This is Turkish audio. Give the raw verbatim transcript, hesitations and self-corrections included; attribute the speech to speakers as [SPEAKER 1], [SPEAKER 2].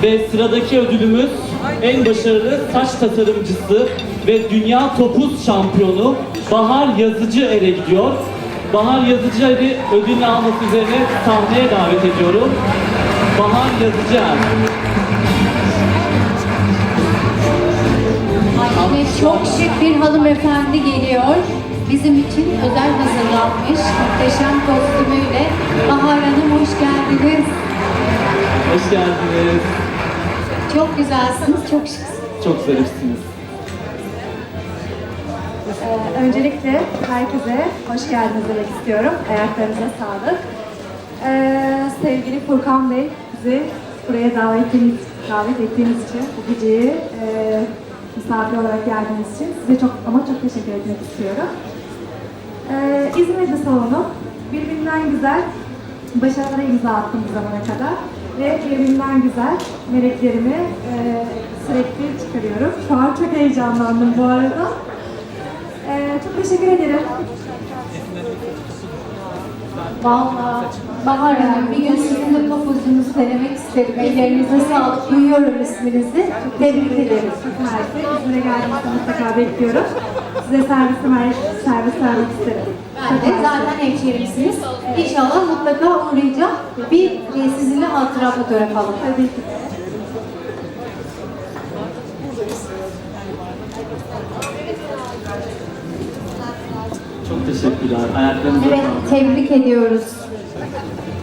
[SPEAKER 1] Ve sıradaki ödülümüz en başarılı saç tasarımcısı ve dünya topuz şampiyonu Bahar Yazıcıer'e gidiyor. Bahar Yazıcıer'i ödülünü alması üzerine sahneye davet ediyorum. Bahar Yazıcıer.
[SPEAKER 2] Ay, çok şık bir hanımefendi geliyor. Bizim için özel hazırlanmış muhteşem kostümüyle. Bahar Hanım hoş geldiniz.
[SPEAKER 1] Hoş geldiniz.
[SPEAKER 2] Çok güzelsiniz, çok şıksınız.
[SPEAKER 1] Çok zarifsiniz.
[SPEAKER 3] Ee, öncelikle herkese hoş geldiniz demek istiyorum. Ayaklarınıza sağlık. Ee, sevgili Furkan Bey, bizi buraya davet ettiğiniz, davet ettiğiniz için, bu geceyi e, misafir olarak geldiğiniz için size çok ama çok teşekkür etmek istiyorum. Ee, İzmir'de salonu birbirinden güzel başarılara imza attım bu zamana kadar ve birbirinden güzel meleklerimi e, sürekli çıkarıyorum. Şu an çok heyecanlandım bu arada. Ee, çok teşekkür ederim.
[SPEAKER 2] Vallahi Bahar Hanım, bir gün sizin de topuzunuzu denemek isterim. Ellerinize sağlık, duyuyorum isminizi. Tebrik ederim.
[SPEAKER 3] Mersi, İzmir'e geldiğinizde mutlaka bekliyorum. Size servis, servis vermek isterim.
[SPEAKER 2] Ben de zaten hemşehrimsiniz. İnşallah mutlaka uğrayacağım. Bir e, sizinle hatıra fotoğraf alalım.
[SPEAKER 3] Tabii ki.
[SPEAKER 1] Çok teşekkürler. Ayaklarınıza
[SPEAKER 2] Evet,
[SPEAKER 1] sağlık.
[SPEAKER 2] tebrik ediyoruz.